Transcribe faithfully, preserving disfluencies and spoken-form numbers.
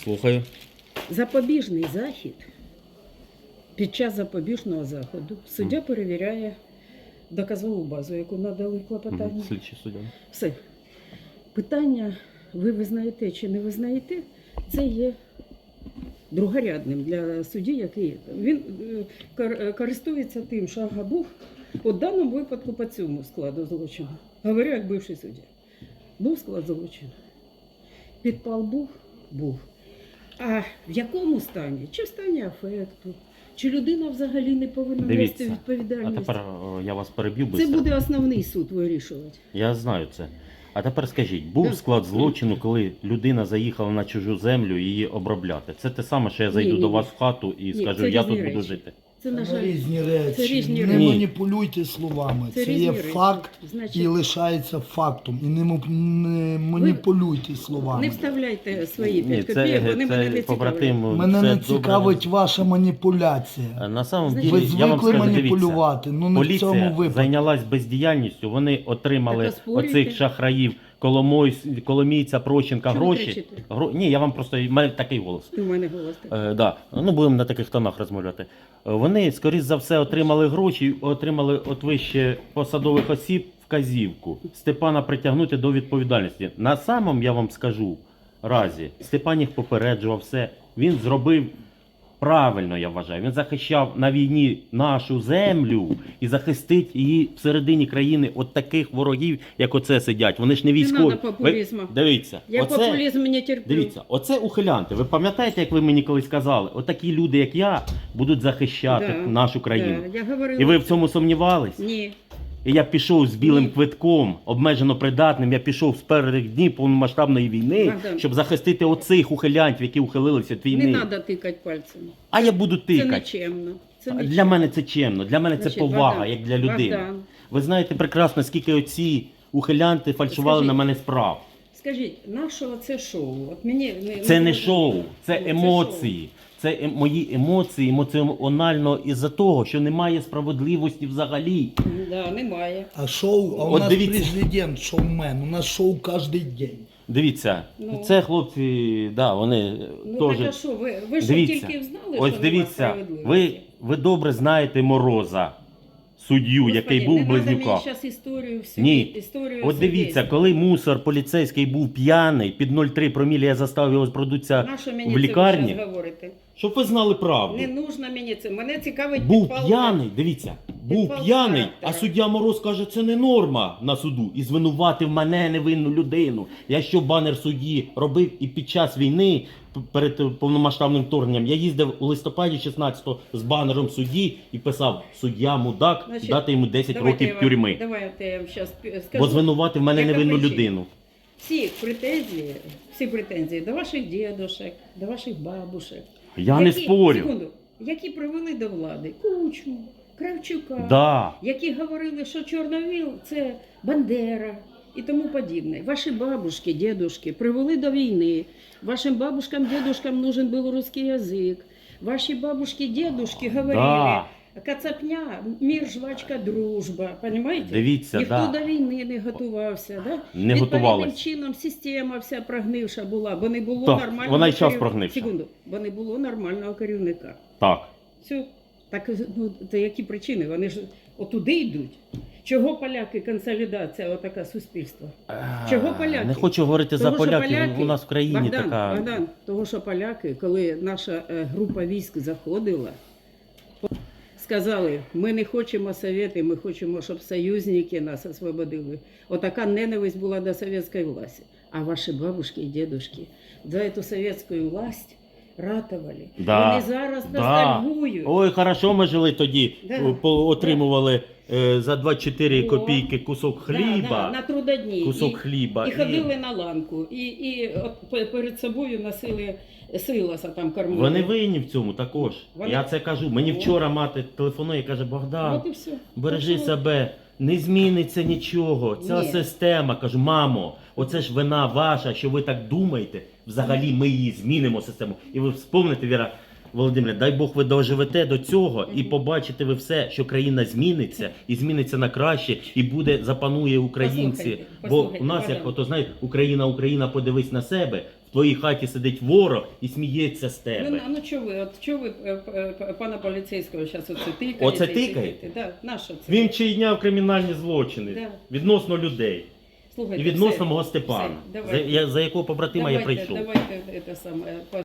Слухаю. Запобіжний захід. Під час запобіжного заходу суддя перевіряє доказову базу, яку надали в клопотанні. Слідчий суддя. Все. Питання, ви визнаєте чи не визнаєте, це є другорядним для судді, який є. Він е, користується тим, що ага, був у даному випадку по цьому складу злочину. Говорю, як бивший суддя. Був склад злочину. Підпал був? Був. А в якому стані? Чи в стані афекту? Чи людина взагалі не повинна Дивіться, нести відповідальність? А тепер о, я вас переб'ю Це быстро. буде основний суд вирішувати. Я знаю це. А тепер скажіть, був Да. склад злочину, коли людина заїхала на чужу землю її обробляти? Це те саме, що я зайду Ні, ні, до ні. вас в хату і Ні, скажу, це я різні тут буду речі. жити. Це, на Це жаль, різні речі. це різні не речі. маніпулюйте словами. Це Це, різні є речі. факт Значить, і лишається фактом. І не, му- не маніпулюйте словами. не вставляйте свої Ні, п'ять це, копійок, вони мене не це побратим. цікавлять. Мене все не добре. цікавить ваша маніпуляція. На самом Значить, деле, Ви я вам звикли скажу, дивіться, маніпулювати, ну не в поліція цьому випадку. зайнялась бездіяльністю, вони отримали Так, оспорюйте. оцих шахраїв, Коломой, Коломійця, Прощенка, Чому гроші. кричите? Гро... Ні, я вам просто, в мене такий голос. У мене голос такий. Е, да. Ну, будемо на таких тонах розмовляти. Е, Вони, скоріш за все, отримали гроші, отримали от вище посадових осіб вказівку Степана притягнути до відповідальності. На самому, я вам скажу, разі, Степан їх попереджував все. Він зробив правильно, я вважаю. Він захищав на війні нашу землю і захистить її всередині країни от таких ворогів, як оце сидять. Вони ж не військові. надо популізму. Ви- Дивіться. Я оце... популізм не терплю. Дивіться, оце ухилянти. Ви пам'ятаєте, як ви мені колись казали? Отакі люди, як я, будуть захищати Да, нашу країну. Да, я говорила. І ви в цьому сумнівались? Ні. І я пішов з білим Ні. квитком, обмежено придатним, я пішов з перших днів повномасштабної війни, Богдан. щоб захистити оцих ухилянтів, які ухилилися від війни. Не треба тикати пальцями. А я буду Це тикати. нечемно. Це Для нечемно. мене це чемно, для мене це Значить, повага, Богдан, як для людини. Богдан. Ви знаєте прекрасно, скільки оці ухилянти фальшували Скажіть. на мене справ. Скажіть, нашого це шоу? От мені не, Це не зрозуміло. шоу, це Ну, емоції. Це е- мої емоції емоціонально із-за того, що немає справедливості взагалі. шоу. Да, немає. А шоу, а у От нас дивіться. президент, шоумен, у нас шоу кожен день. Дивіться, Ну. це хлопці, да, вони Ну теж. так а що, ви, ви ж Дивіться, тільки знали, ось що дивіться, нема ви, справедливості? ви добре знаєте Мороза, суддю, Господи, який був не в надо мені Близнюках. зараз історію всю. Ні. Історію От дивіться, судейства. коли мусор поліцейський був п'яний, під нуль цілих три промілі я заставив його продуться Нащо мені в це ви лікарні, щас говорите? щоб ви знали правду. Не нужно мені це. Мене цікавить Був підпал- п'яний, дивіться, був підпал п'яний, характера. а суддя Мороз каже, це не норма на суду. І звинуватив мене, невинну людину. Я що банер судді робив і під час війни, п- перед повномасштабним вторгненням, я їздив у листопаді шістнадцятого з банером судді і писав, суддя мудак, Значить, дати йому десять Давайте років я вам- тюрми. Давайте я вам зараз скажу. Бо звинуватив мене Яка невинну причина? людину. Всі претензії, всі претензії до ваших дідушек, до ваших бабушек. Я не спорю. Секунду, які привели до влади Кучму, Кравчука, Да. які говорили, що Чорновіл – це Бандера і тому подібне. Ваші бабушки, дідушки привели до війни. Вашим бабушкам, дідушкам нужен був русский язик. Ваші бабушки, дідушки говорили, Да. Кацапня, мір, жвачка, дружба. Понимаете? Дивіться, Ніхто да. до війни не готувався. Да? Не Відповідним готувались. чином система вся прогнивша була, бо не було Так, нормального вона й час керів- прогнивша. Секунду, бо не було нормального керівника. Так. Все. Так, ну, це які причини? Вони ж отуди йдуть. Чого поляки, консолідація, отака суспільства? Чого поляки? Не хочу говорити за Того, що поляків, поляки- у нас в країні Богдан, така... Богдан, того, що поляки, коли наша е, група військ заходила, сказали, ми не хочемо совєти, ми хочемо, щоб союзники нас освободили. Отака ненависть була до совєтської власті. А ваші бабушки і дідушки за цю совєтську власть ратували. Да. Вони зараз Да. ностальгують. Ой, хорошо ми жили тоді, Да. О, по- отримували е, за двадцять чотири О. копійки кусок хліба, Да, да, на трудодні. кусок і, хліба. І ходили на ланку. І, і от пе- перед собою носили силоса там кормили. Вони винні в цьому також. Вони- Я це кажу. Мені О. вчора мати телефонує і каже, Богдан, От і все. бережи Так що- себе, не зміниться нічого. Ця Ні. система, кажу, мамо, оце ж вина ваша, що ви так думаєте. Взагалі ми її змінимо систему. І ви вспомните, Віра Володимирівна, дай Бог ви доживете до цього і побачите ви все, що країна зміниться і зміниться на краще, і буде запанує українці. Послухайте, Бо послухайте, у нас, як Богдан. ото знаєте, Україна, Україна, подивись на себе. В твоїй хаті сидить ворог і сміється з Ну, тебе. на- ну чого ви, от чого ви е, е, пана поліцейського зараз оце тикаєте? Оце і тикаєте? тикаєте? Да, на що це? Він чиняв кримінальні злочини Да. відносно людей. Слухайте, І відносно все, мого все, Степана, за, давайте. я- за якого побратима я Давайте, прийшов. давайте це саме.